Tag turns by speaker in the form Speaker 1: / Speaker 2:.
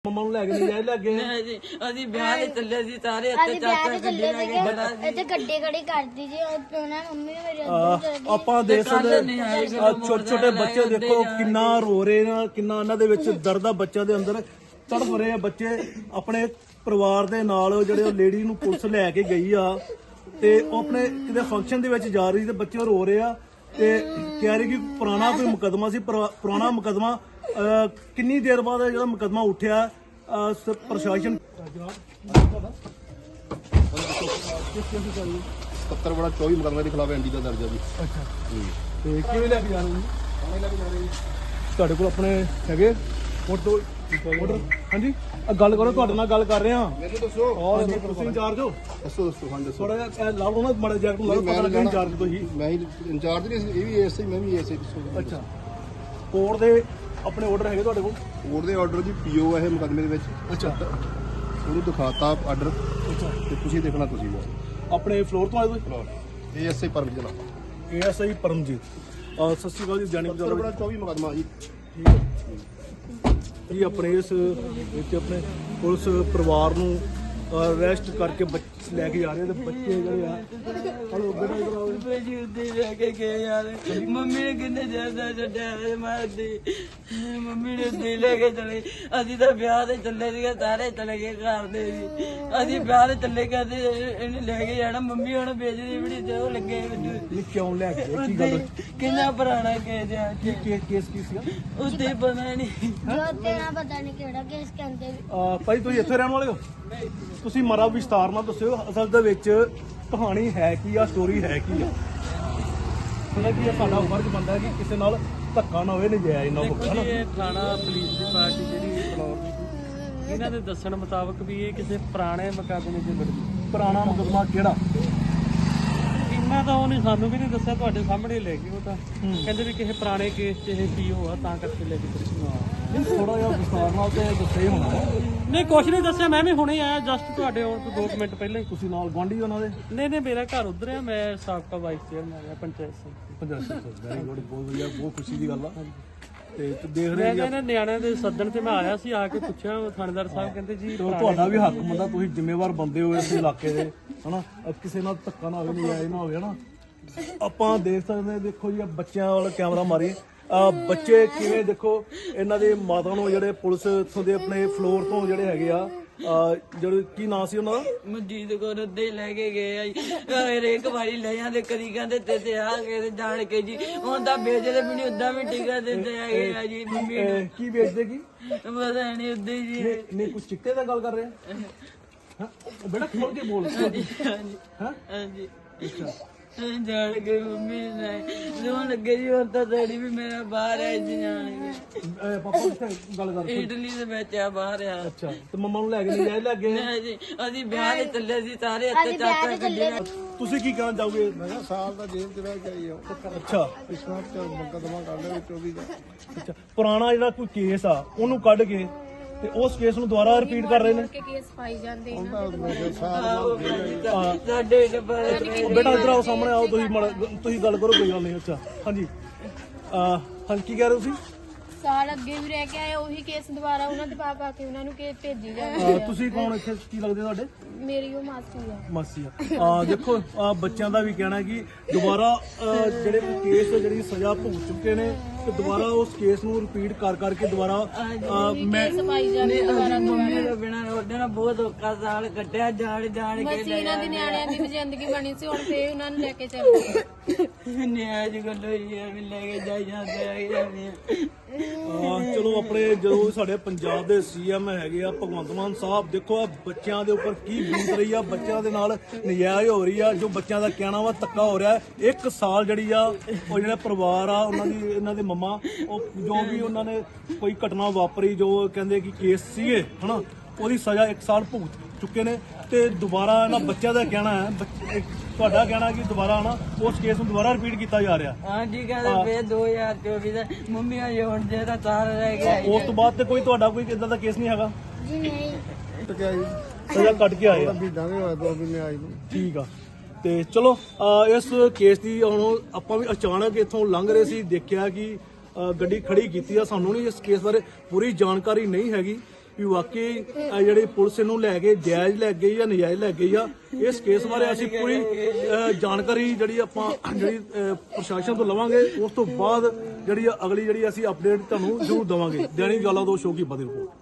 Speaker 1: ਮੰਮਾ ਨੂੰ ਲੈ ਕੇ ਨਹੀਂ ਜਾਏ ਲੱਗੇ
Speaker 2: ਨਹੀਂ ਜੀ ਅਸੀਂ ਵਿਆਹ ਲਈ ਚੱਲੇ ਸੀ ਸਾਰੇ
Speaker 3: ਅਸੀਂ ਵਿਆਹ ਤੇ ਚੱਲੇ ਸੀਗੇ ਇੱਥੇ ਗੱਡੀ ਖੜੀ ਕਰਦੀ ਜੀ ਉਹਨਾਂ ਮੰਮੀ ਨੇ ਮੇਰੇ ਅੰਦਰ ਚਲੇ ਗਈ।
Speaker 1: ਆਪਾਂ ਦੇਖ ਸਕਦੇ ਛੋਟੇ ਛੋਟੇ ਬੱਚੇ ਦੇਖੋ ਕਿੰਨਾ ਰੋ ਰਹੇ ਨੇ, ਕਿੰਨਾ ਉਹਨਾਂ ਦੇ ਵਿੱਚ ਦਰਦ ਆ ਬੱਚਿਆਂ ਦੇ ਅੰਦਰ ਤੜਫ ਰਹੇ ਆ ਬੱਚੇ ਆਪਣੇ ਪਰਿਵਾਰ ਦੇ ਨਾਲ। ਜਿਹੜੇ ਉਹ ਲੇਡੀ ਨੂੰ ਪੁਲਿਸ ਲੈ ਕੇ ਗਈ ਆ ਤੇ ਉਹ ਆਪਣੇ ਕਿਤੇ ਫੰਕਸ਼ਨ ਦੇ ਵਿੱਚ ਜਾ ਰਹੀ ਤੇ ਬੱਚੇ ਰੋ ਰਹੇ ਆ ਤੇ ਕਹਿ ਰਹੇ ਕਿ ਪੁਰਾਣਾ ਕੋਈ ਮੁਕੱਦਮਾ ਸੀ। ਪੁਰਾਣਾ ਮੁਕੱਦਮਾ ਕਿੰਨੀ ਦੇਰ ਬਾਅਦ ਜਿਹੜਾ ਮੁਕੱਦਮਾ ਉੱਠਿਆ ਪ੍ਰਸ਼ਾਸਨ
Speaker 4: 70/24 ਮੁਕੱਦਮੇ ਦੇ ਖਿਲਾਫ ਐਨਡੀ ਦਾ ਦਰਜ ਹੈ ਜੀ।
Speaker 1: ਅੱਛਾ ਤੇ ਕਿਵੇਂ ਲੈ ਕੇ ਜਾ ਰਹੇ ਜੀ? ਥਾਣੇ ਲੈ ਕੇ ਜਾ ਰਹੇ ਜੀ। ਤੁਹਾਡੇ ਕੋਲ ਆਪਣੇ ਹੈਗੇ ਫੋਟੋ ਆਰਡਰ? ਹਾਂਜੀ ਗੱਲ ਕਰੋ, ਤੁਹਾਡੇ ਨਾਲ ਗੱਲ ਕਰ ਰਹੇ ਹਾਂ।
Speaker 4: ਮੈਨੂੰ ਦੱਸੋ
Speaker 1: ਔਰ ਤੁਸੀਂ ਇੰਚਾਰਜ ਹੋ?
Speaker 4: ਦੱਸੋ ਹਾਂ ਦੱਸੋ।
Speaker 1: ਥੋੜਾ ਜਿਹਾ ਲਾਓ ਉਹਨਾਂ ਮਾੜਾ ਜੈਕਟ ਨੂੰ ਲਾਓ, ਪਤਾ ਲੱਗੇ ਇੰਚਾਰਜ ਤੁਸੀਂ।
Speaker 4: ਮੈਂ ਹੀ ਇੰਚਾਰਜ ਨਹੀਂ, ਇਹ ਵੀ ਐਸਆਈ, ਮੈਂ ਵੀ ਐਸਆਈ। ਦੱਸੋ।
Speaker 1: ਅੱਛਾ ਕੋਰਟ ਦੇ ਆਪਣੇ ਆਰਡਰ ਹੈਗੇ ਤੁਹਾਡੇ ਕੋਲ?
Speaker 4: ਕੋਰਟ ਦੇ ਆਰਡਰ ਜੀ ਪੀਓ ਹੈ ਮੁਕੱਦਮੇ ਦੇ ਵਿੱਚ।
Speaker 1: ਅੱਛਾ
Speaker 4: ਉਹਨੂੰ ਦਿਖਾਤਾ ਆਰਡਰ
Speaker 1: ਅੱਛਾ
Speaker 4: ਤੇ ਤੁਸੀਂ ਦੇਖਣਾ ਤੁਸੀਂ
Speaker 1: ਆਪਣੇ ਫਲੋਰ ਤੋਂ ਆਏ ਤੁਸੀਂ?
Speaker 4: ਇਹ ਐਸਆਈ ਪਰਮਜੀਤ ਜਨਾਬ।
Speaker 1: ASI ਪਰਮਜੀਤ। ਸਤਿ ਸ਼੍ਰੀ ਅਕਾਲ ਜੀ। ਜਾਣੀ
Speaker 4: 70/24 ਮੁਕੱਦਮਾ ਜੀ।
Speaker 1: ਜੀ ਆਪਣੇ ਇਸ ਵਿੱਚ ਆਪਣੇ ਪੁਲਿਸ ਪਰਿਵਾਰ ਨੂੰ ਅਰੈਸਟ ਕਰਕੇ ਲੈ ਕੇ ਜਾ ਰਹੇ ਤੇ ਬੱਚੇ ਜਿਹੜੇ ਆ ਹਲੋ ਬੇਟਾ ਇਧਰ ਆਓ।
Speaker 2: ਜੀ ਉੱਤੇ ਲੈ ਕੇ ਗਏ ਯਾਰ ਮੰਮੀ ਨੇ ਕਿੰਨੇ ਜ਼ਿਆਦਾ ਛੱਡਿਆ ਮਾਰਦੀ ਮੰਮੀ ਨੇ ਉੱਤੇ ਲੈ ਕੇ ਚਲੇ। ਅਸੀਂ ਤਾਂ ਵਿਆਹ ਤੇ ਚੱਲੇ ਸੀਗੇ, ਸਾਰੇ ਚਲੇ ਗਏ ਘਰ ਦੇ ਜੀ। ਅਸੀਂ ਵਿਆਹ ਤੇ ਚੱਲੇ ਕਰਦੇ ਇਹਨੇ ਲੈ ਕੇ ਜਾਣਾ। ਮੰਮੀ ਹੁਣ ਵੇਚਦੀ ਬੜੀ ਤੇ ਉਹ ਲੱਗੇ
Speaker 1: ਇਹ ਕਿਉਂ ਲੈ ਕੇ ਗਏ? ਕੀ ਗੱਲ
Speaker 2: ਕਿੰਨਾ ਪੁਰਾਣਾ ਕੇਸ ਆ
Speaker 1: ਕੀ ਕੇਸ ਕੀ ਸੀਗਾ?
Speaker 2: ਉੱਤੇ ਪਤਾ ਨਹੀਂ
Speaker 3: ਜੋ ਤੇਰਾ ਪਤਾ ਨਹੀਂ ਕਿਹੜਾ ਕੇਸ ਕਹਿੰਦੇ
Speaker 1: ਭਾਈ ਤੁਸੀਂ ਇੱਥੇ ਰਹਿਣ ਵਾਲੇ ਹੋ? ਤੁਸੀਂ ਮਾਰਾ ਵਿਸਤਾਰ ਨਾਲ ਦੱਸਿਓ ਅਸਲ ਦੇ ਵਿੱਚ ਕਹਾਣੀ ਹੈ ਕੀ ਆ, ਸਟੋਰੀ ਹੈ ਕੀ ਆ? ਸੁਣਿਆ ਕਿ ਇਹ ਸਾਡਾ ਫਰਜ਼ ਬਣਦਾ ਕਿ ਕਿਸੇ ਨਾਲ ਧੱਕਾ ਨਾ ਹੋਵੇ, ਨਜਾਇਜ਼ ਨਾ ਹੋਵੇ, ਹਨਾ?
Speaker 5: ਇਹ ਥਾਣਾ ਪੁਲਿਸ ਦੀ ਪਾਰਟੀ ਜਿਹੜੀ ਫਲੋਰ ਦੀ ਇਹਨਾਂ ਦੇ ਦੱਸਣ ਮੁਤਾਬਕ ਵੀ ਇਹ ਕਿਸੇ ਪੁਰਾਣੇ ਮੁਕੱਦਮੇ 'ਚ ਲੜਦੀ।
Speaker 1: ਪੁਰਾਣਾ ਮੁਕੱਦਮਾ ਕਿਹੜਾ?
Speaker 5: ਇੰਨਾ ਤਾਂ ਉਹਨੇ ਸਾਨੂੰ ਵੀ ਨਹੀਂ ਦੱਸਿਆ, ਤੁਹਾਡੇ ਸਾਹਮਣੇ ਲੈ ਗਏ। ਉਹ ਤਾਂ ਕਹਿੰਦੇ ਵੀ ਕਿਸੇ ਪੁਰਾਣੇ ਕੇਸ 'ਚ ਇਹ ਪੀਓ ਆ ਤਾਂ ਕਰਕੇ ਲੈ ਕੇ
Speaker 1: ਥੋੜਾ ਜਿਹਾ ਵਿਸਤਾਰ ਨਾਲ ਤੇ ਦੱਸੇ ਹੋਣਾ।
Speaker 5: ਨਹੀਂ ਕੁਛ ਨਹੀਂ ਦੱਸਿਆ, ਮੈਂ ਵੀ ਹੁਣੇ ਆਇਆ ਜਸਟ ਤੁਹਾਡੇ ਆਉਣ ਤੋਂ 2 ਮਿੰਟ ਪਹਿਲਾਂ ਹੀ।
Speaker 1: ਤੁਸੀਂ ਨਾਲ ਗੁਆਂਢੀ ਉਹਨਾਂ ਦੇ?
Speaker 5: ਨਹੀਂ ਮੇਰਾ ਘਰ ਉਧਰ ਆ, ਮੈਂ ਸਾਬਕਾ ਵਾਈਸ ਚੇਅਰਮੈਨ ਆ ਪੰਚਾਇਤ ਸੰਮਤੀ।
Speaker 1: ਵੈਰੀ ਗੁੱਡ, ਬਹੁਤ ਵਧੀਆ, ਬਹੁਤ ਖੁਸ਼ੀ ਦੀ ਗੱਲ ਆ। ਤੇ ਦੇਖ ਰਹੇ
Speaker 5: ਮੈਂ
Speaker 1: ਜੀ
Speaker 5: ਕਹਿੰਦਾ ਨਿਆਣਿਆਂ ਦੇ ਸੱਦਣ ਤੇ ਮੈਂ ਆਇਆ ਸੀ, ਆ ਕੇ ਪੁੱਛਿਆ ਥਾਣੇਦਾਰ ਸਾਹਿਬ ਕਹਿੰਦੇ ਜੀ
Speaker 1: ਤੁਹਾਡਾ ਵੀ ਹੱਕ ਮੰਦਾ, ਤੁਸੀਂ ਜ਼ਿੰਮੇਵਾਰ ਬੰਦੇ ਹੋ ਇਸ ਇਲਾਕੇ ਦੇ, ਹਨਾ? ਕਿਸੇ ਨਾਲ ਧੱਕਾ ਨਾ ਹੋਵੇ, ਨਜਾਇਜ਼ ਨਾ ਹੋਵੇ, ਹਨਾ? ਆਪਾਂ ਦੇਖ ਸਕਦੇ, ਦੇਖੋ ਜੀ ਬੱਚਿਆਂ ਵਾਲਾ ਕੈਮਰਾ ਮਾਰੀ ਬੱਚੇ ਕਿਵੇਂ ਦੇਖੋ ਇਹਨਾਂ ਦੇ ਮਾਤਾ ਨੂੰ ਜਿਹੜੇ ਪੁਲਿਸ ਇੱਥੋਂ ਦੇ ਆਪਣੇ ਫਲੋਰ ਤੋਂ ਜਿਹੜੇ ਹੈਗੇ ਆ ਜਿਹੜੇ ਕੀ ਨਾਂ ਸੀ ਉਹਨਾਂ ਦਾ?
Speaker 2: ਮਨਜੀਤ ਕੋਲ ਉੱਦੇ ਲੈ ਕੇ ਗਏ ਆ ਜੀ। ਹਰੇਕ ਵਾਰੀ ਲੈ ਜਾਂਦੇ, ਕਦੀ ਕਹਿੰਦੇ ਤੇ ਆ ਕੇ ਜਾਣ ਕੇ ਜੀ। ਹੁਣ ਤਾਂ ਵੇਚਦੇ ਵੀ ਨਹੀਂ, ਉਦਾਂ ਵੀ ਟੀਕਾ ਦਿੰਦੇ ਹੈਗੇ ਆ ਜੀ ਮੰਮੀ ਨੂੰ।
Speaker 1: ਕੀ ਵੇਚਦੇ ਕੀ?
Speaker 2: ਪਤਾ ਨਹੀਂ ਉੱਦੇ ਜੀ।
Speaker 1: ਨਹੀਂ ਕੁਝ ਚਿੱਟੇ ਦਾ ਗੱਲ ਕਰ ਰਹੇ ਹਾਂ? ਬੇਟਾ ਖੋਲ ਕੇ ਬੋਲ।
Speaker 2: ਹਾਂਜੀ
Speaker 1: ਹਾਂ
Speaker 2: ਹਾਂਜੀ
Speaker 1: ਅੱਛਾ
Speaker 2: ਜਾਣ ਕੇ ਮੰਮੀ ਨੇ ਜੋ ਲੱਗੇ ਜੀ। ਹੁਣ ਤਾਂ ਡੈਡੀ ਵੀ ਮੇਰਾ ਬਾਹਰ ਹੈ ਜੀ, ਜਾਣ ਕੇ
Speaker 1: ਪਾਪਾ ਕਿੱਥੇ ਗੱਲ ਕਰ?
Speaker 2: ਇਟਲੀ ਦੇ ਵਿੱਚ ਆ, ਬਾਹਰ ਆ।
Speaker 1: ਅੱਛਾ ਤੇ ਮੰਮਾ ਨੂੰ ਲੈ ਕੇ ਨਹੀਂ ਜਾਏ ਲੱਗੇ?
Speaker 2: ਨਹੀਂ ਜੀ ਅਸੀਂ ਵਿਆਹ ਲਈ ਚੱਲੇ ਸੀ ਸਾਰੇ ਇੱਥੇ
Speaker 3: ਅਸੀਂ ਵਿਆਹ
Speaker 2: ਚਾਚਾ
Speaker 3: ਤੇ ਚੱਲੇ
Speaker 1: ਤੁਸੀਂ ਕੀ ਕਹਿਣਾ ਚਾਹੋਗੇ?
Speaker 4: ਮੈਂ ਕਿਹਾ ਸਾਲ ਦਾ ਜੇਲ੍ਹ 'ਚ ਰਹਿ ਕੇ ਆਈ ਆ।
Speaker 1: ਅੱਛਾ
Speaker 4: ਪਿਛਲਾ ਮੁਕੱਦਮਾ ਕਰ ਲਿਆ 24 ਦਾ।
Speaker 1: ਅੱਛਾ ਪੁਰਾਣਾ ਜਿਹੜਾ ਕੋਈ ਕੇਸ ਆ ਉਹਨੂੰ ਕੱਢ ਕੇ ਤੇ ਉਸ ਕੇਸ ਨੂੰ ਦੁਬਾਰਾ ਰਿਪੀਟ ਕਰ ਰਹੇ ਨੇ।
Speaker 3: ਕੇਸ ਪਾਈ ਜਾਂਦੇ
Speaker 2: ਸਾਡੇ ਡੱਬਾ
Speaker 1: ਬੇਟਾ ਇੱਧਰ ਆਓ, ਸਾਹਮਣੇ ਆਓ, ਤੁਸੀਂ ਗੱਲ ਕਰੋ, ਕੋਈ ਗੱਲ ਨਹੀਂ। ਅੱਛਾ ਹਾਂਜੀ ਹਾਂਜੀ ਕੀ ਕਹਿ ਰਹੇ ਹੋ ਤੁਸੀਂ?
Speaker 3: ਸਾਲ ਅੱਗੇ ਵੀ ਰਹਿ ਕੇ ਆਏ, ਉਹੀ ਕੇਸ ਦੁਬਾਰਾ ਉਹਨਾਂ ਦੇ ਪਾ ਕੇ ਉਹਨਾਂ ਨੂੰ ਕੇਸ ਭੇਜੀ ਜਾਂਦੇ।
Speaker 1: ਤੁਸੀਂ ਕੌਣ ਇੱਥੇ, ਕੀ ਲੱਗਦੇ ਤੁਹਾਡੇ?
Speaker 3: ਮੇਰੀ ਉਹ ਮਾਸੀ ਆ।
Speaker 1: ਮਾਸੀ ਆ। ਦੇਖੋ ਬੱਚਿਆਂ ਦਾ ਵੀ ਕਹਿਣਾ ਕਿ ਦੁਬਾਰਾ ਜਿਹੜੇ ਕੇਸ ਜਿਹੜੀ ਸਜ਼ਾ ਭੁਗਤ ਚੁੱਕੇ ਨੇ ਤੇ ਦੁਬਾਰਾ ਉਸ ਕੇਸ ਨੂੰ ਰਿਪੀਟ ਕਰ ਕਰਕੇ ਦੁਬਾਰਾ ਮੈਂ
Speaker 3: ਪਾਈ ਜਾਂਦੇ ਦੁਬਾਰਾ
Speaker 2: ਮੰਮੀ ਦੇ ਬਿਨਾਂ ਉਹਦੇ ਨਾਲ ਬਹੁਤ ਔਖਾ ਸਾਲ ਕੱਟਿਆ, ਜਾਣ ਕੇ
Speaker 3: ਬਸ ਇਹਨਾਂ ਦੀ ਨਿਆਣਿਆਂ ਦੀ ਵੀ ਜ਼ਿੰਦਗੀ ਬਣੀ ਸੀ, ਹੁਣ ਫੇਰ ਉਹਨਾਂ ਨੂੰ ਲੈ ਕੇ ਚੱਲ ਗਏ।
Speaker 2: ਨਿਆਜ ਗੱਲ ਹੋਈ ਹੈ ਵੀ ਲੈ ਕੇ ਜਾਈ ਜਾਂਦੇ ਹੈਗੇ।
Speaker 1: ਚਲੋ ਆਪਣੇ ਜਦੋਂ ਸਾਡੇ ਪੰਜਾਬ ਦੇ CM ਹੈਗੇ ਆ ਭਗਵੰਤ ਮਾਨ ਸਾਹਿਬ, ਦੇਖੋ ਆ ਬੱਚਿਆਂ ਦੇ ਉੱਪਰ ਕੀ ਬੀਤ ਰਹੀ ਆ, ਬੱਚਿਆਂ ਦੇ ਨਾਲ ਨਜਾਇਜ਼ ਹੋ ਰਹੀ ਆ। ਜੋ ਬੱਚਿਆਂ ਦਾ ਕਹਿਣਾ ਵਾ ਧੱਕਾ ਹੋ ਰਿਹਾ। 1 ਸਾਲ ਜਿਹੜੀ ਆ ਉਹ ਜਿਹੜਾ ਪਰਿਵਾਰ ਆ ਉਹਨਾਂ ਦੀ, ਇਹਨਾਂ ਦੇ ਮੰਮਾ, ਉਹ ਜੋ ਵੀ ਉਹਨਾਂ ਨੇ ਕੋਈ ਘਟਨਾ ਵਾਪਰੀ, ਜੋ ਕਹਿੰਦੇ ਕਿ ਕੇਸ ਸੀਗੇ, ਹਨਾ, ਉਹਦੀ ਸਜ਼ਾ 1 ਸਾਲ ਭੁਗਤ ਚੁੱਕੇ ਨੇ। ਤੇ ਦੁਬਾਰਾ ਇਹਨਾਂ ਬੱਚਿਆਂ ਦਾ ਕਹਿਣਾ ਹੈ, ਤੁਹਾਡਾ ਕਹਿਣਾ ਕਿ ਦੁਬਾਰਾ ਨਾ ਉਸ ਕੇਸ ਨੂੰ ਦੁਬਾਰਾ ਰਿਪੀਟ ਕੀਤਾ ਜਾ ਰਿਹਾ।
Speaker 2: ਹਾਂਜੀ ਕਹਿੰਦੇ ਫੇਰ 2024 ਦਾ ਮੰਮੀ ਆ ਹੁਣ ਜਿਹੜਾ ਤਾਰ ਰਹਿ ਗਿਆ।
Speaker 1: ਉਸ ਤੋਂ ਬਾਅਦ ਤੇ ਕੋਈ ਤੁਹਾਡਾ ਕੋਈ ਇਦਾਂ ਦਾ ਕੇਸ ਨਹੀਂ ਹੈਗਾ?
Speaker 3: ਜੀ ਨਹੀਂ
Speaker 4: ਟਕਿਆ ਜੀ
Speaker 1: ਸਜ਼ਾ ਕੱਟ ਕੇ ਆਏ ਆ।
Speaker 4: ਮਹੀਨਾ ਵੀ ਹੋਇਆ, 2 ਮਹੀਨੇ ਆਈ ਨੂੰ।
Speaker 1: ਠੀਕ ਆ। ਤੇ ਚਲੋ ਇਸ ਕੇਸ ਦੀ ਹੁਣ ਆਪਾਂ ਵੀ ਅਚਾਨਕ ਇੱਥੋਂ ਲੰਘ ਰਹੇ ਸੀ, ਦੇਖਿਆ ਕਿ ਗੱਡੀ ਖੜੀ ਕੀਤੀ ਆ। ਸਾਨੂੰ ਨਹੀਂ ਇਸ ਕੇਸ ਬਾਰੇ ਪੂਰੀ ਜਾਣਕਾਰੀ ਨਹੀਂ ਹੈਗੀ ਕਿ ਵਾਕਈ ਜਿਹੜੀ ਪੁਲਿਸ ਇਹਨੂੰ ਲੈ ਕੇ ਜਾਇਜ਼ ਲੈ ਗਈ ਜਾਂ ਨਜਾਇਜ਼ ਲੈ ਗਈ ਆ। ਇਸ ਕੇਸ ਬਾਰੇ ਅਸੀਂ ਪੂਰੀ ਜਾਣਕਾਰੀ ਜਿਹੜੀ ਪ੍ਰਸ਼ਾਸਨ ਤੋਂ ਲਵਾਂਗੇ। ਉਸ ਤੋਂ ਬਾਅਦ ਜਿਹੜੀ ਅਗਲੀ ਜਿਹੜੀ ਅਸੀਂ ਅਪਡੇਟ ਤੁਹਾਨੂੰ ਜ਼ਰੂਰ ਦੇਵਾਂਗੇ। ਦੈਨਿਕ ਜਵਾਲਾ ਤੋਂ ਸ਼ੋਕੀ ਬਦੀ ਰਿਪੋਰਟ।